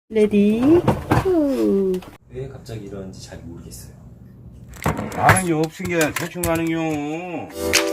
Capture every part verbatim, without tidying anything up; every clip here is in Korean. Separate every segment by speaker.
Speaker 1: 레디 후.
Speaker 2: 왜 갑자기 이러는지 잘 모르겠어요.
Speaker 3: 나는 요 없은 게 대충 가는요.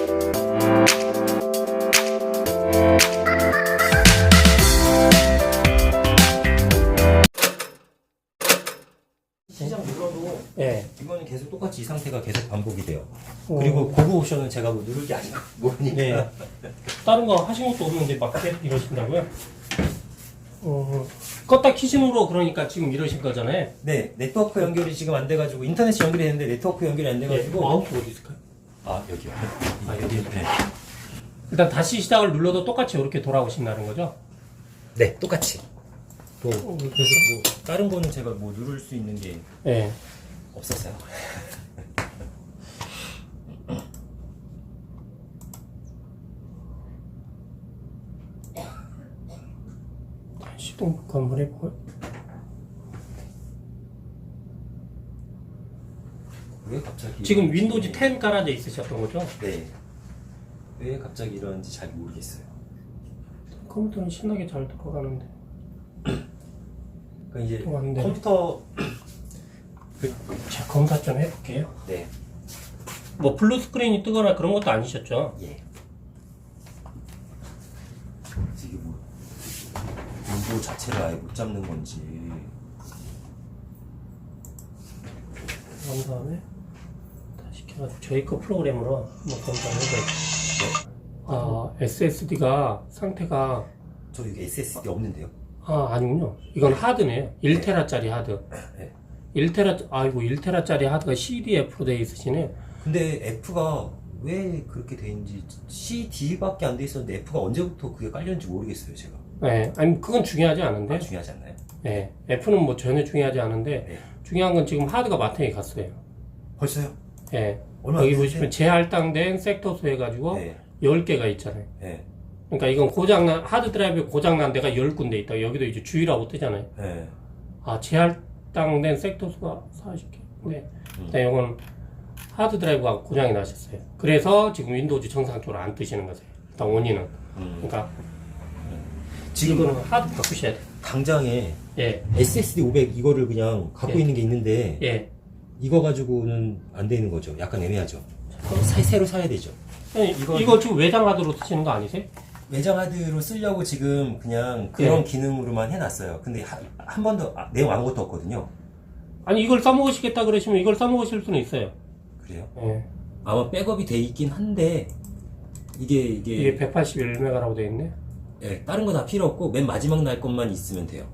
Speaker 2: 시장 눌러도
Speaker 1: 예.
Speaker 2: 이거는 계속 똑같이 이 상태가 계속 반복이 돼요.
Speaker 1: 어.
Speaker 2: 그리고 고급 옵션은 제가 뭐 누를 게 아니고 모르니까.
Speaker 1: 네. 다른 거 하신 것도 없는데 막 계속 이러신다고요? 어. 껐다 키심으로 그러니까 지금 이러신 거잖아요.
Speaker 2: 네, 네트워크 연결이 지금 안 돼가지고 인터넷이 연결이 됐는데 네트워크 연결이 안
Speaker 1: 예.
Speaker 2: 돼가지고.
Speaker 1: 마우스 어디 있을까요?
Speaker 2: 아 여기요.
Speaker 1: 아 여기.
Speaker 2: 네.
Speaker 1: 일단 다시 시작을 눌러도 똑같이 이렇게 돌아오신다는 거죠?
Speaker 2: 네, 똑같이. 뭐
Speaker 1: 어,
Speaker 2: 그래서 뭐 다른 거는 제가 뭐 누를 수 있는 게
Speaker 1: 예.
Speaker 2: 없었어요.
Speaker 1: 시동 한번 해볼까요?
Speaker 2: 왜 갑자기?
Speaker 1: 지금
Speaker 2: 이러는지.
Speaker 1: 윈도우즈 텐 깔아져 있으셨던 거죠?
Speaker 2: 네. 왜 갑자기 이러는지 잘 모르겠어요.
Speaker 1: 컴퓨터는 신나게 잘 돌아가는데.
Speaker 2: 그러니까 이제
Speaker 1: 돌아가는데.
Speaker 2: 컴퓨터.
Speaker 1: 제가 검사 좀 해볼게요.
Speaker 2: 네.
Speaker 1: 뭐 블루 스크린이 뜨거나 그런 것도 아니셨죠?
Speaker 2: 예. 이게 뭐 윈도우 자체를 아예 못 잡는 건지.
Speaker 1: 그런 다음에 다시 켜가지고 저희 거 프로그램으로 한번 검사를 해봐요. 아, 에스에스디가 상태가
Speaker 2: 저 여기 에스에스디 없는데요?
Speaker 1: 아 아니군요. 이건 하드네요. 일 테라짜리 하드.
Speaker 2: 네.
Speaker 1: 일 테라 아이고 일 테라짜리 하드가 씨디에프로 되어 있으시네요.
Speaker 2: 근데 F가 왜 그렇게 돼 있는지 씨디밖에 안 돼 있었는데 F가 언제부터 그게 깔렸는지 모르겠어요, 제가.
Speaker 1: 네, 아니 그건 중요하지 않은데.
Speaker 2: 아, 중요하지 않나요?
Speaker 1: 네, F는 뭐 전혀 중요하지 않은데
Speaker 2: 네.
Speaker 1: 중요한 건 지금 하드가 마탱이 갔어요.
Speaker 2: 벌써요?
Speaker 1: 네.
Speaker 2: 얼마 안
Speaker 1: 여기
Speaker 2: 됐는데?
Speaker 1: 보시면 재할당된 섹터수 해가지고
Speaker 2: 네.
Speaker 1: 열 개가 있잖아요.
Speaker 2: 네.
Speaker 1: 그러니까 이건 고장난 하드 드라이브에 고장난 데가 열 군데 있다. 여기도 이제 주의라고 뜨잖아요.
Speaker 2: 네.
Speaker 1: 아, 재할당된 섹터 수가 사십 개. 네.
Speaker 2: 음.
Speaker 1: 일단 이건 하드 드라이브가 고장이 나셨어요. 그래서 지금 윈도우즈 정상적으로 안 뜨시는 거세요. 일단 원인은.
Speaker 2: 음.
Speaker 1: 그러니까
Speaker 2: 지금
Speaker 1: 이거는 하드 바꾸셔야 돼요.
Speaker 2: 당장에
Speaker 1: 예.
Speaker 2: 에스에스디 오백 이거를 그냥 갖고
Speaker 1: 예.
Speaker 2: 있는 게 있는데
Speaker 1: 예.
Speaker 2: 이거 가지고는 안 되는 거죠. 약간 애매하죠. 그럼 새, 새로 사야 되죠.
Speaker 1: 아니,
Speaker 2: 이거-
Speaker 1: 이거, 지금 외장 하드로 쓰시는 거 아니세요?
Speaker 2: 외장 하드로 쓰려고 지금 그냥 그런
Speaker 1: 예.
Speaker 2: 기능으로만 해놨어요. 근데 한 번도 아, 내용 아무것도 없거든요.
Speaker 1: 아니 이걸 써먹으시겠다 그러시면 이걸 써먹으실 수는 있어요.
Speaker 2: 그래요?
Speaker 1: 예.
Speaker 2: 아마 백업이 돼 있긴 한데 이게 이게,
Speaker 1: 이게 백팔십일 메가라고 되어 있네.
Speaker 2: 예, 다른 거 다 필요 없고 맨 마지막 날 것만 있으면 돼요.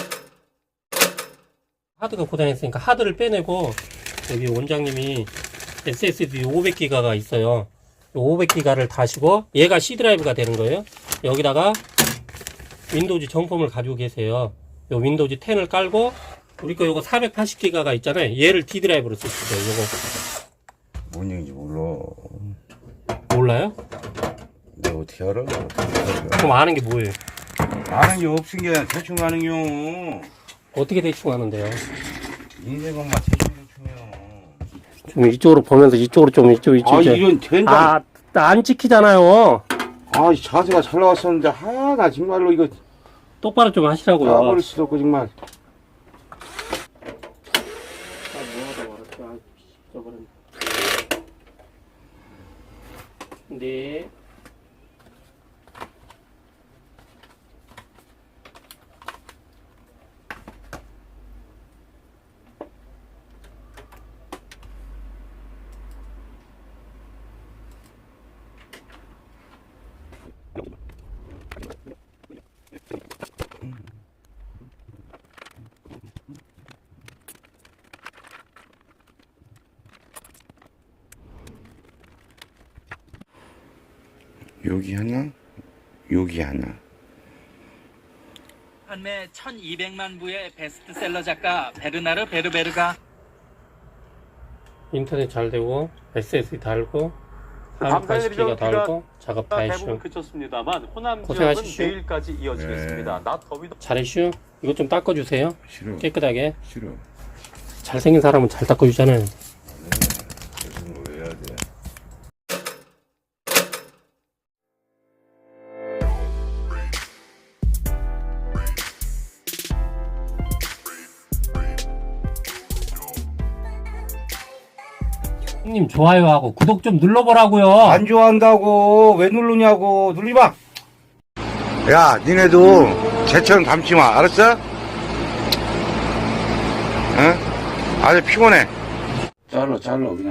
Speaker 1: 하드가 고장했으니까 하드를 빼내고 여기 원장님이 에스에스디 오백 기가가 있어요. 오백 기가를 다시고 얘가 C 드라이브가 되는 거예요. 여기다가 윈도우즈 정품을 가지고 계세요. 요 윈도우즈 텐을 깔고 우리 거 요거 사백팔십 기가가 있잖아요. 얘를 D 드라이브로 쓰시죠. 요거
Speaker 3: 뭔 얘기인지 몰라.
Speaker 1: 몰라요?
Speaker 3: 내가 어떻게 알아? 어떻게 알아?
Speaker 1: 그럼 아는 게 뭐예요?
Speaker 3: 나는 요 없은 게 대충 가는요.
Speaker 1: 어떻게 대충 아는데요?
Speaker 3: 인생은 막 대충 대충이요.
Speaker 1: 좀 이쪽으로 보면서 이쪽으로 좀 이쪽 이쪽
Speaker 3: 아 이런 된장.
Speaker 1: 아, 안 찍히잖아요.
Speaker 3: 아 자세가 잘 나왔었는데 아 나 정말로 이거
Speaker 1: 똑바로 좀 하시라고요.
Speaker 3: 까버릴 수도 없고 정말.
Speaker 1: 네.
Speaker 3: 여기 하나, 여기 하나.
Speaker 4: 판매 천이백만 부의 베스트셀러 작가 베르나르 베르베르가
Speaker 1: 인터넷 잘 되고 에스에스디 달고
Speaker 5: 감사드리죠.
Speaker 1: 사백팔십 기가 달고 작업 다
Speaker 5: 대부분
Speaker 1: 했슈.
Speaker 5: 그쳤습니다만 호남 지역은
Speaker 1: 고생하십시오.
Speaker 5: 내일까지 이어지겠습니다.
Speaker 3: 네.
Speaker 5: 낮 더위도
Speaker 1: 잘했슈. 이것 좀 닦아주세요.
Speaker 3: 싫어.
Speaker 1: 깨끗하게.
Speaker 3: 싫어.
Speaker 1: 잘생긴 사람은 잘 닦아주잖아요.
Speaker 3: 그래서 뭐 해야 돼?
Speaker 1: 형님 좋아요하고 구독 좀 눌러보라고요.
Speaker 3: 안 좋아한다고 왜 누르냐고. 누르지 마. 야, 니네도 쟤처럼 닮지 마. 알았어? 응? 아주 피곤해. 잘라 잘라 그냥.